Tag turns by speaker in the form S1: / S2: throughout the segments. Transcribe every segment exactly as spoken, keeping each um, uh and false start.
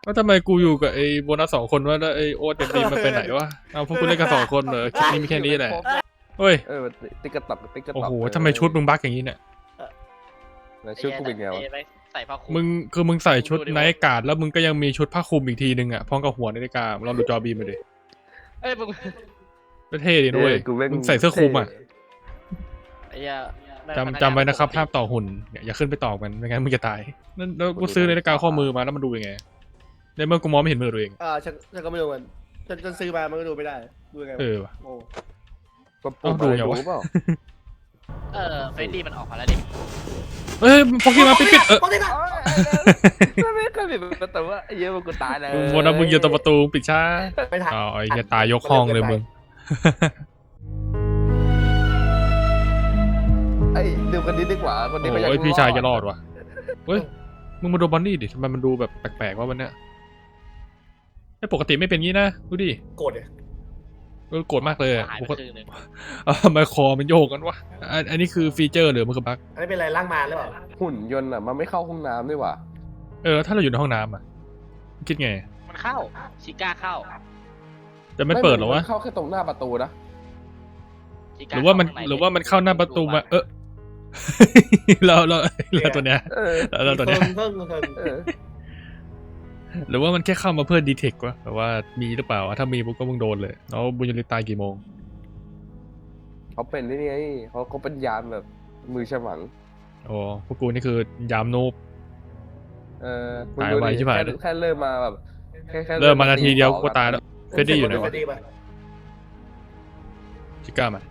S1: ว่าทำไมกูอยู่กับไอ้โบนัสสองคนวะแล้วไอ้โอ๊ตเด็ดดีมันไปไหนวะเอาพวกกูเล่นกันสองคนเหรอคลิปนี้มีแค่นี้แหละเฮ้ย
S2: เออติ๊กกระตับติ๊กกระตับ
S1: โอ้โหทำไมชุดมึงบั๊กอย่างนี้เนี่ย
S2: แล้วชุดกูเป็นไงวะ
S3: ใส่ผ้าคลุม
S1: มึงคือมึงใส่ชุดไนท์การ์ดแล้วมึงก็ยังมีชุดผ้าคลุมอีกทีนึงอ่ะพร้อมกับหัวนาฬิกาลองดูจอบีมาดิ
S3: เอ้ยมึง
S1: ก็เท่ดีด้วยมึงใส่เสื้อคลุมอ่ะ
S3: ไอ้เหี้ย
S1: จำจำไว้นะครับห้ามต่อหุ่นอย่าขึ้นไปต่อมันไม่งั้นมึงจะตายนั่นแล้วกูซื้อนาฬิกาข้อมือมาแล้วมันดูยังไงในเมื่อกูมองไม่เห็นมือตัวเอง
S4: อ่าฉันฉันก็ไม่รู้มันฉันฉันซื้อมามันก็ดูไม่ได้ดูยังไง
S1: เออว่ะ
S4: โอ้
S2: ก็ปุ่ม
S1: ดู
S2: อะไร
S1: ไงวะ
S2: รู้เปล่า
S3: เออเฟรดดี้มันออกมาแล้วดิ
S1: เอ้ยพอกี้มาปิดปิดเออ
S4: ปกตินะ
S2: ไม่ไม่เคยปิดประตูว่าเยอะมันกูตายเลย
S1: มึงวนนะมึงอยู่ตรงประตูปิดช้า
S4: ไปถ่าย
S1: อ๋อไอ้เหี้ยตายยกห้องเลยมึง
S2: ไอ้ดูคนนี้ดีกว่าคนนี้เขาอยาก
S1: โอ้ยพี่ชายจะรอดวะเฮ้ยมึงมาดูบอนนี่ดิทำไมมันดูแบบแปลกๆว่าวันเนี้ยไอ้ปกติไม่เป็นงี้นะดูดิ
S4: โกรธเนี่ย
S1: เออโกรธมากเลยอะ
S3: หาย
S1: ป
S3: ไป
S1: ก
S3: ค
S1: ติ
S3: รึ่งหนึง
S1: เออทำไมคอมันโยกกันวะอันอันนี้คือฟีเจอร์หรือมันคือบั๊ก
S4: อันนี้เป็นอะไรล่างมาหรือเปล่า
S2: หุ่นยนต์อ่ะมันไม่เข้าห้องน้ำด้วยว่ะ
S1: เออถ้าเราอยู่ในห้องน้ำอ่ะคิดไง
S3: มันเข้าชิก้าเข้า
S1: จะไม่เปิดหรอวะ
S2: เข้าแค่ตรงหน้าประตูนะ
S3: ชิ
S1: ห
S3: ก้
S1: รือว่ามัน
S3: เข้ข้งใ
S1: หรือว่ามันเข้าหน้าประตูมาเออ เราเราเราตัวเนี้ย
S2: เออ
S1: เราตัวเนี้ย
S4: เพิ่งเพิ่งเพิ่ง
S2: เออ
S1: หรือว่ามันแค่เข้ามาเพื่อดีเทควะแต่ว่ามีหรือเปล่าถ้ามีปุ๊บก็มึงโดนเลยแล้วบุญยริตตายกี่โมง
S2: เขาเป็นนี่ไงเขาเขาเป็นยามแบบมือฉมัง
S1: โอ้พวกกูนี่คือยามนูบ
S2: เออ
S1: ตายไวชิบหายเลย
S2: แค่เริ่มมาแบบแค่แค่
S1: เริ่มมานาทีเดียวกูก็ตายแล้ว เฟรดดี้อยู่ไหนวะ
S4: เฟรดดี้ปะ
S1: ชิก้ามา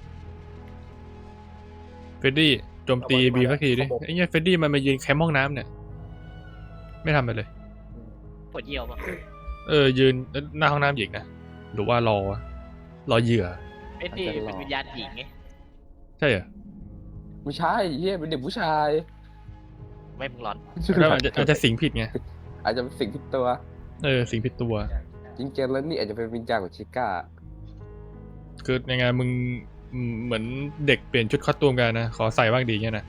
S1: เฟรดดี้โจมตีบีสักทีดิไอ้เนี้ยเฟรดดี้มันมายืนแคมป์ห้องน้ำเนี่ยไม่ทำอะไรเลย
S3: ปวดเยี่ยวป่ะ
S1: เออยืนหน้าห้องน้ำหญิงนะหรือว่ารอรอเหยื่อ
S3: เฟรดดี้เป็นวิญญาณหญิงไง
S1: ใช่เหรอ
S2: ไม่ใช่เฮียเป็นเด็กผู้ชาย
S3: ไม่มึงร้อน
S1: แล้วอาจจะอาจจะสิงผิดไง
S2: อาจจะเป็นสิ่งที่ตัว
S1: เออสิงผิดตัว
S2: จริงๆแล้วนี่อาจจะเป็นวิญญาณของชิก้า
S1: คือยังไงมึงอืมเหมือนเด็กเปลี่ยนชุดคอสตูมกันนะขอใส่บ้างดีเงี้ยนะ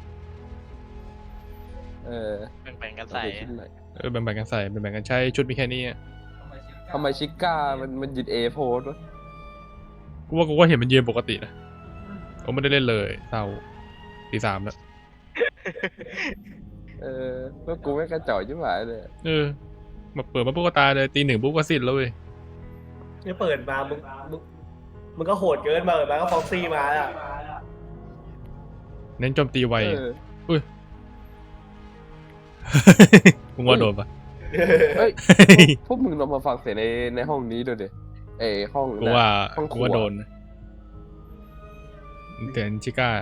S2: เออ
S3: แบ่งๆกันใส่
S2: เอาไปชิ้นหน่อย
S1: เออแบ่งๆกันใส่แบ่งๆกันใช้ชุดมีแค่นี้อะ
S2: ทำไมชิก้ามันมันยืนเอโพสวะ
S1: กูว่ากูก็เห็นมันยืนปกตินะผมไม่ได้เล่นเลยเศร้าตีสามแล้ว
S2: เออแล้วกูไม่งกระจอกชิบหายเลย
S1: เออมาเปิดมาปุ๊บก็ตายเลยตีหนึ่งปุ๊บก็สิ้นแล้วเว้ย
S4: เนี่ยเปิดมามึงมึงมึงก็โหดเกินมาเปิดมาก็ฟ็อกซี่มาอ่ะ
S1: เน้นโจมตีไว
S2: เออ
S1: มึงว่าโดนปะ
S2: เฮ้ยพวกมึงลองมาฟังเสียงในในห้องนี้ดูดิเอยห้อง
S1: กู
S2: นะ
S1: ว่า
S2: ห้องค
S1: กู
S2: รัว
S1: ว่าโดนนะเตือนชิก้า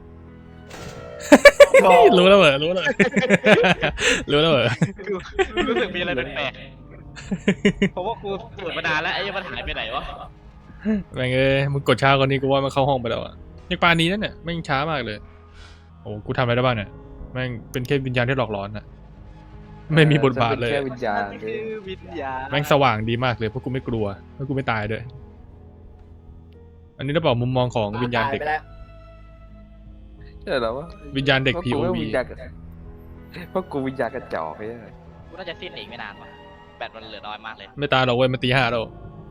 S1: รู้แล้วเหรอรู้แล้วเหรอ รู้แล้วเหรอ
S3: รู้สึกมีอะไรแปลกๆเพราะว่ากูตรวจมานานแล้วไอ้ยังมันหายไปไหนวะ
S1: แม่งเอ้ยมึงกดช้ากว่านี้กูว่ามันเข้าห้องไปแล้วอะยังปานนี้นั่นเนี่ยแม่งช้ามากเลยโอ้กูทำอะไรได้บ้างเนี่ยแม่งเป็นแค่วิญญาณที่หลอกหลอนอะไม่มีบทบาทเลย
S2: แค่วิญญาณ
S3: นั่นคือวิญญาณ
S1: แม่งสว่างดีมากเลยเพราะกูไม่กลัวเพราะกูไม่ตายด้วยอันนี้ต้องบอกมุมมองของวิญญาณเด็ก
S4: ตยไปแล้ว
S2: ใช่แล้ววะ
S1: วิญญาณเด็ก
S2: พราะ
S1: พี
S2: กู
S1: โอ
S2: ไม่
S1: วี
S2: วิญญาณเพราะกูวิญญาณกระจอกไอ้เหี้ย
S3: กูน่าจะสิ้นอีกไม่นานว่ะแบตมันเหลือน้อยมากเลย
S1: ไม่ตายหรอกเว้ยมันตีห้าแล้ว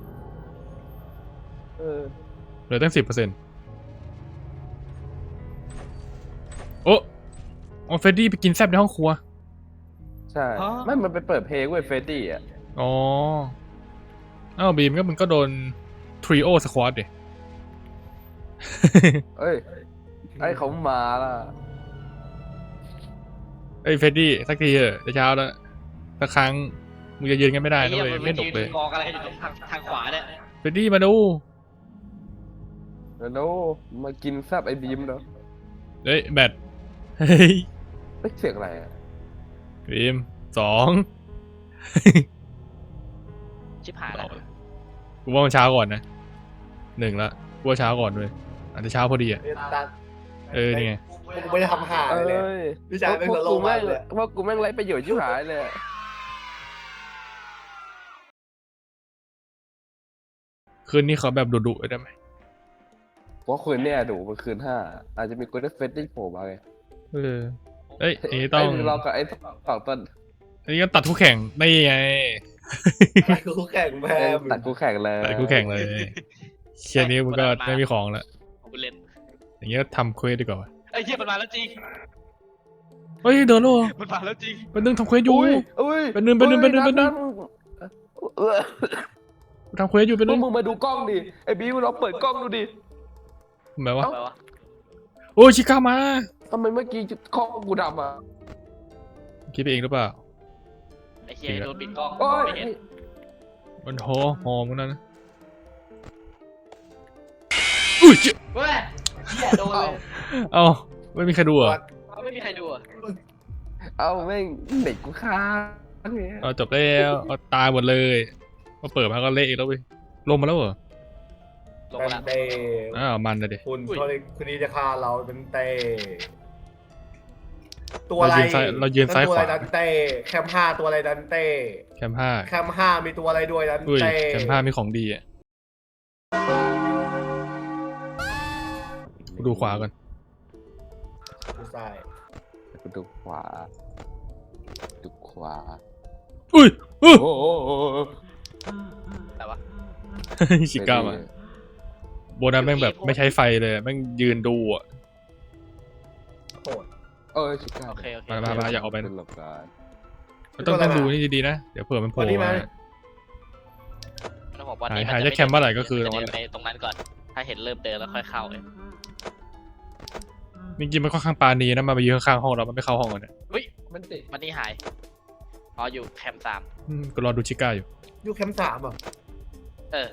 S2: เออ
S1: เหลือตั้งสิบเปอร์เซ็นต์โอ้โอ้เฟรดดี้ไปกินแซบในห้องครัว
S2: ใช่ไม่มันไปเปิดเพลงเว้ยเฟรดดี้อ่ะ
S1: อ๋ออ้าวบีมก็มันก็โดนทริโอสควอตดิ
S2: เอ้ยไอ้เขามาล่ะ
S1: เอ้ยเฟรดดี้สักทีเถอะจะเช้าแล้วสักครั้งมึงจะยืนกันไม่ได้
S3: ไอ้
S1: นะ
S3: เหี้ย
S1: เว้ย
S3: มัน
S1: ไม่
S3: ไป
S1: หนุ
S3: ยื
S1: ก
S3: น
S1: เลย
S3: กองอะไรอยู่ตรงทางทางขวาเนี่ย
S1: เฟรดดี้มาดู
S2: แล้วมากินแซบไอ้บีมเนาะ
S1: เฮ้ยแบตเฮ้ย
S2: เอ้ยเสียงอะไรอ่ะ
S1: บีมสอง
S3: ชิบหายแล้ว
S1: กูว่ามันเช้าก่อนนะหนึ่งละกูว่าเช้าก่อนด้วยอาจจะเช้าพอดีอ่ะ
S4: เนี่ยตา
S1: เออนี่ไง
S4: กูไม่ได้ทำหา
S2: เอ
S4: เลย
S2: ้
S4: เลย
S2: ย
S4: วิชาเป็น
S2: พว
S4: ส
S2: ก
S4: โล
S2: กู
S4: ว์
S2: แม่
S4: มาง กเลย
S2: พวกกูแม่งไรประโยชน์ชิบหายเลย
S1: คืนนี้ขอแบบดุๆได้ไหม
S2: เพราะคืนเนี่ยดูมันคืนห้าอาจจะมีกูได้เฟสได้โผล่มาไง
S1: เออเอ้ยอันนี้ต้อง
S2: ไอ้เรากับไอ้สองต้น
S1: อันนี้ก็ตัดคู่แข่งได้ไง
S4: ตัดคู่แข่งแพ
S2: เอ้ย
S4: ม
S2: ตัดกูแข่งเลย
S1: แต่กูแข่งเลยเชียร์นี้มึงก็ไม่มีของแล้ว
S3: ผมเล่น
S1: อย่างเงี้ยทำเควสดีกว่าวะ
S3: ไอ้เหี้ยมันมาแล้วจริง
S1: เฮ้ยเดินแล้วเหรอ
S3: มันมาแล้วจริง
S1: เป็นนึงทำเควสอยู่
S2: อุ้ยอุ้ย
S1: เป็นหนึ่งเป็นหนึ่งเป็นหนึ่งเป็นหนึ่ง
S2: เออ
S1: กูทำเควสอยู่เป็น
S2: พ
S1: นึ
S2: วก
S1: ง
S2: มึงมาดูกล้องดิไอ้บีมึงลองเปิดกล้องดูดิ
S1: ทำไมวะ
S3: อะไรวะ
S1: โอ้ยชิก้ามา
S2: ทำไมเมื่อกี้กล้องกูดำอ่ะ
S1: คิดไปเองหรือเปล่า
S3: ไอ้เหี้ยโดนปิดกล้อง
S2: โอ้ย
S3: ไม่เห็น
S1: มันโหหอมมึงนั่นนะอุ้ยเจ๊
S3: เว้ยเหี้ยโดนเลย
S1: เอ้าไม่มีใครดูเหรอ่ะ
S3: ไม่มีใครดูอ่ะ
S2: เอาแม่งเด็กกูค้างเนี่ย
S1: เอาจบแล้วเอาตายหมดเลยพอเปิดมาก็เละอีกแล้วเว้ยลงมาแล้วเหรอ
S3: ลง
S4: เป็
S3: มาน แล้ว
S4: เต
S1: อ้าวมันนะเด็
S4: คุณ
S3: อุ้ย
S4: เขาเลยคืนนี้จะฆ่าเราเป็นเตตัว
S1: เรา
S4: อะไร
S1: ยืนซ้ายเรายืนซ้าย
S4: ตัว
S1: ข
S4: อะไร
S1: วา
S4: ดันเต้แคมห้าตัวอะไรดันเต้
S1: แคมห้า
S4: แคมห้ามีตัวอะไรด้วยดัน
S1: อุ้ย
S4: เต้
S1: แคมห้ามีของดีอ่ะกูดูขวาก่อน
S4: ดูซ้าย
S2: กูดูขวาดูขวา
S1: อุ้ยอุ้ย
S2: โอ้โห
S3: แต่วะ
S1: ชิก้ามาโบนัสแม่งแบบไม่ใช้ไฟเลยแม่งยืนดูอ่ะ
S4: โหด
S2: เออชิคา
S3: โอเคโอเค
S1: มามามาอย่าออกไป
S2: เป็
S1: นะ
S2: นหลักการ
S1: ต้องต้องดูนี่ดีๆนะเดี๋ยวเผื่อมันโผล่มา
S3: ต้องบอกว่า
S1: หาย
S3: นี่
S1: หาย
S3: น
S1: จากแคมป์เมื่อไหร่ก็คือตรงนั้น
S3: จะเดินไปตรงนั้นก่อน ถ้าเห็นเริ่มเดินแล้วค่อยเข้าเลย
S1: จริงๆมันค่อนข้างปราณีนะมาไปยืนข้างๆห้องเรามันไม่เข้าห้องกันเนี่ย
S3: เฮ้ย
S2: มันติด
S3: มันนี่หายอ๋ออยู่แคมป์สาม
S1: อืมก็รอดูชิก้าอยู่
S4: ยูแคมสามอ่ะ
S3: เออ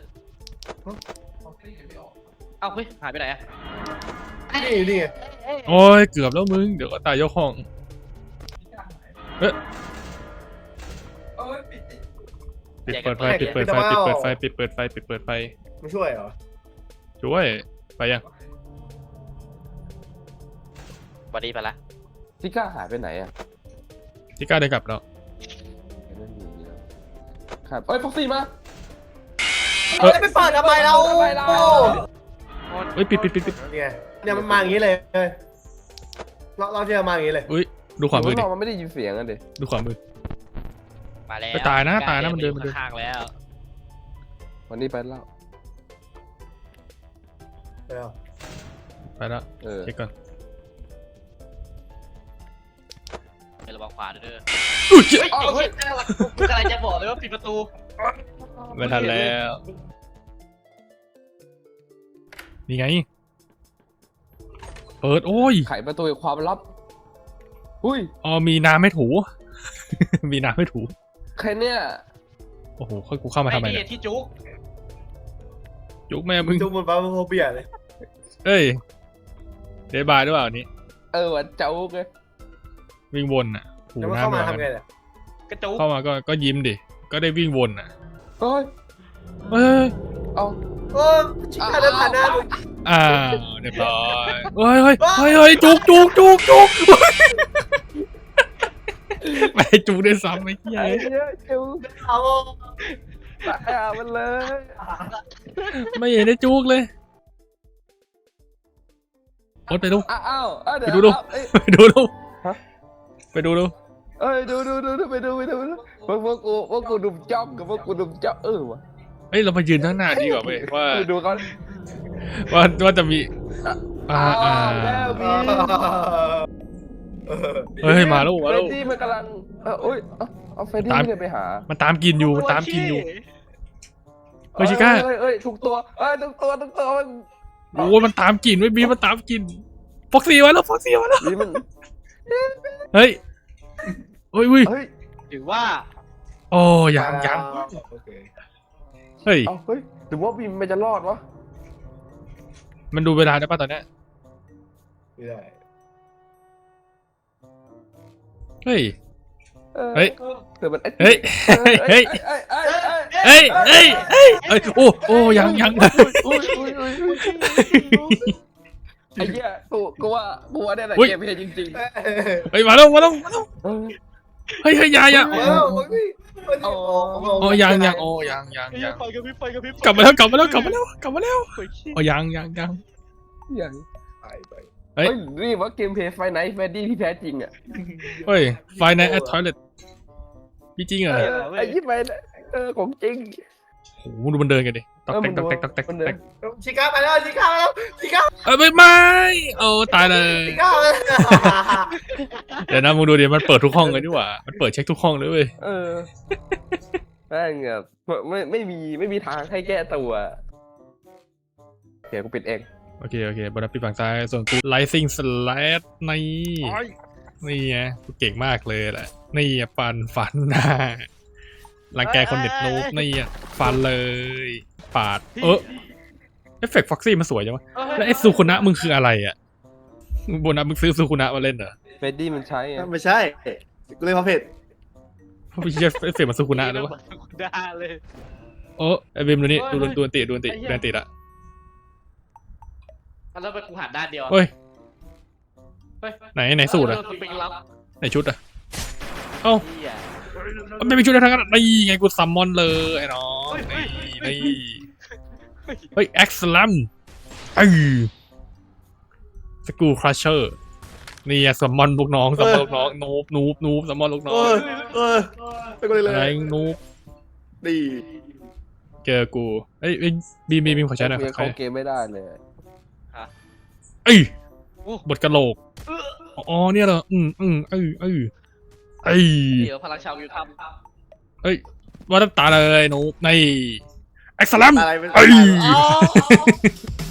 S3: เอ้าเฮ้ยหายไปไหนอะ
S4: นี่นี่ไง
S1: โอ้ยเกือบแล้วมึงเดี๋ยวก็ตายยกห้องเอ๊ะปิดเปิดไฟปิดเปิดไฟปิดเปิดไฟปิดเปิดไฟปิดเปิดไฟ
S4: ไม่ช่วยเหรอ
S1: ช่วยไปยัง
S3: วันนี้ไปละ
S2: ชิก้าหายไปไหนอ่ะ
S1: ชิก้าได้กลับแล้ว
S2: ไม่มีแล้วครับเอ้ยฟ็อกซี่มา
S1: เอ้ย
S4: เอ้ยไปเปิดทำไมเรา
S2: ทำไมเรา
S1: เฮ้ยปิดปิดปิดปิด
S4: เนี่ยเนี่ยมันมาอย่างนี้เลยเราเราจะมาอย่างนี้เลย
S1: อุ้ยดูขวามือดิ
S2: เรามันไม่ได้ยินเสียงกันดิ
S1: ดูขวามือ
S3: มาแล้ว
S1: ไปตายนะตายนะมันเดินมันเดิน
S3: ข้างๆแล้ว
S2: วันนี้ไปแล้ว
S4: เดี๋ยว
S1: ไปแล้ว
S2: เออ
S1: เช็คก่อน
S3: ไประวังขวาด้วยเด้อ
S1: อุ้ยเจ๊
S3: เฮ้ยไอ้เหี้ยกูกำลังจะบอกเลยว่าปิดประตู
S1: ไม่ทันแล้วนี่ไงเปิดโอ้ย
S2: ไขประตูแห่งความลับหุ้ย
S1: อ๋อมีน้ำให้ถู มีน้ำให้ถู
S2: ใครเนี่ย
S1: โอ้โหค่อยกูเข้ามาทำไม
S3: ไอ้
S1: เนี่
S3: นี่
S1: ย
S3: ที่จุก
S1: จุกแม่มึง
S4: ดูมันบ้าโฟเบียเลย
S1: เอ้ยเดบายด้วยเปล่าอันนี้
S2: เออวันเจ้าไง
S1: วิ่งวนอ่ะถู
S4: แล้วมันเข้า
S1: น้ำ
S4: มา
S1: มา
S4: ทำไงเนี่ย
S3: กระจุก
S1: เข้ามาก็ก็ยิ้มดิก็ได้วิ่งวนอ่ะ
S2: เฮ้ย
S1: เฮ้ย
S2: เอา
S4: โอ้ชิคกี้พายเดินผ่านหน้ามึง
S1: อ้าวเรียบร้อยเฮ้ยเฮ้ยเฮ้ยเฮ้ยจุกจุกจุกจุกไม่ให้จุกได้วยซ้ำไอ้เหี้ย
S2: ไอ้เนี้ยเจ้า
S4: เอา
S2: ตายอ่ะมันเลย
S1: ไม่เห็นได้จุกเลยโอ๊ตไปดู
S2: อ้าวอ้าวอ้าวเดี๋ยว
S1: ไปดูดู
S2: เอ้ย
S1: ไปดูดู
S2: ฮะ
S1: ไปดูดู
S2: เอ้ยดูดูดูดูไปดูไปดูพวกพวกกูพวกกูดุมจ้องกับพวกกูดุมจ้องเออวะ
S1: เฮ้ยเรามายืนข้างหน้าดีกว่าเว้ยว่า
S2: ไปดูเขา
S1: ว่าว่าจะมีอ่าอ่า
S2: แล้วมี
S1: เฮ้ยมาแล้วมา
S2: เฟร
S1: แล้ว
S2: ดดี้มันกำลังเออโอ้ยเอาเอาเฟรดดี้
S1: ตาม
S2: ไม่ได้ไปหา
S1: มันตามกินอยู่มันตามกินอยู่เฮ้ยชิก้า
S2: เอ้ยเอ้ยถูกตัวเอ้ยถูกตัวถูกตัวมัน
S1: โอ้ยมันตามกินไว้ยบีมันตามกินฟ็อกซี่มาแล้วฟ็อกซี่มาแล้ว
S2: นี่มัน
S1: เฮ้ยเฮ้ยอุ้ย
S2: เฮ้ย
S3: ถือว่า
S1: โอ้ยังยัง
S4: โอเค
S1: เฮ้ย
S2: เอาเฮ้ยหรือว่าบีมมันจะรอดวะ
S1: มันดูเวลาได้ป่ะตอนเนี้ย
S4: ไม่ได้
S1: เฮ้ย
S2: ออ
S1: เฮ้ย
S2: เดี๋ยวมัน
S1: เฮ้ยเฮ้ย
S2: เอ้ยเอ้ยเอ้ยเอ้ย
S1: เฮ้ยเฮ้ยเฮ้ยเฮ้ยโอ้โอ้ยังยัง
S2: อุ้ยอุ้ยอุ้ยอุ้ยไอ้เหี้ยกูกูว่ากูว่าเนี่ยแหละ
S1: อุ๊ย
S2: เกมเพลย์จริง
S1: เฮ้ยมาแล้วมาแล้วมาแล้ว
S2: ๆเออ
S1: เฮ้ยเฮ้ยอยาอยา
S4: เออโอ้ย
S2: อ๋อ
S1: โอ้ยังยังโอ้ยังยัง
S3: ไอ้
S1: ยั
S3: เหี้ย
S1: ง
S3: ไฟกับพริบไฟกับพริบ
S1: กลับมาแล้วกลับมาแล้วกลับมาแล้วกลับมาแล้ว
S3: โอ้ยเหี้ย
S1: โอ้ยังยังยัง
S2: อย่าง
S4: ตายไป
S1: เฮ้
S2: เฮ้
S1: ย
S2: ยนี่ว่าเกมเพลย์ไฟไนท์แฟดดี้ที่แท้จริงอ่ะ
S1: เฮ้ยไฟในแอททอยเลทพี่จริงเหรอ
S2: เออไอ้ยี่ไปเออของจริง
S1: โอ้โหมึงดูมันเดินกันดิตอกแตกตอกแตกตอกแตกต
S2: มั
S1: อน ก
S2: เดิ
S1: แต
S2: น
S1: ก
S4: ชิก้าไปแล้วชิก้าไปแล้วชิก้า
S1: เอ้ยไม่ไม่โอ้ตายเลย
S4: ชิก้าไปแล้ว
S1: เดี๋ยวนะมึงดูดิมันเปิดทุกห้องเลยดีกว่ามันเปิดเช็คทุกห้องเลยเว้ย
S2: เออแม่งแบบไม่ไม่มีไม่มีทางให้แก้ตัวเดี๋ยวกูปิดเอง
S1: โอเคโอเคบนนับปีฝั่งซ้ายส่วนกู Rising Slash นี่นี่ไงกูเก่งมากเลยแหละนี่อ่ะฟันฟันหน้ารังแกคนเน็ตนูบนี่อ่ะฟันเลยปาดเออเอฟเฟกต์ฟ็อกซี่มันสวยจังวะแล้วไอ้ซูคุนะมึงคืออะไรอ่ะมึงบนนับมึงซื้อซูคุนะมาเล่นเหรอ
S2: เฟรดดี้มันใช้ไง
S4: ไม่ใช่กูเลยพอเพจ
S1: เพราะไม่ใช่เอฟเฟกต์มันซูคุนะเลยวะ
S3: ด่าเลย
S1: โอ้ไอ้เบมดูนี่
S3: เฮ้
S1: ดู
S3: ย
S1: ดูอันติดูอันติ
S3: ไอ้เหี้ย
S1: ดูอันติละ
S3: แล้วไปกูหันด้านเดียว
S1: เฮ้ย
S3: เฮ้ย
S1: ไหนไหนสูตรอะ
S3: เออสปริงลับ
S1: ไหนชุดอะเอ้า
S3: เหี้ย
S1: มันไม่มีชุดอะไรทั้งนั้นนี่ไงกูซัมมอนเลยไอ้น้องนี่นี่เฮ้ยแอ็กซ์ลัมเออสกูครัชเชอร์นี่อะซัมมอนลูกน้องซัมมอนลูกน้องนูบนูบนูบซัมมอนลูกน้อ
S4: เอง อเออไปกูเลยเล
S1: อะไร
S4: ย
S1: นูบ
S4: ดี
S1: เจอกูเอ้ยเอ้ยบีมบีมบีมขอใช้หน่อย
S2: กู
S1: ข
S2: ยัง
S1: อใช้
S2: เข้าเกมไม่ได้เลย
S1: เอ้ยบทกะโหลกอ๋อเนี่ยเหรออืมอืมเอ้ยเอ้ยเอ้ย
S3: เดี๋ยวพลังชาววิวทำ
S1: เอ้ยว่าน้ำตาเลยนูบในแอ็กซ์ลัม
S4: อะไรเป็น
S1: เอ้ย
S4: อ๋อ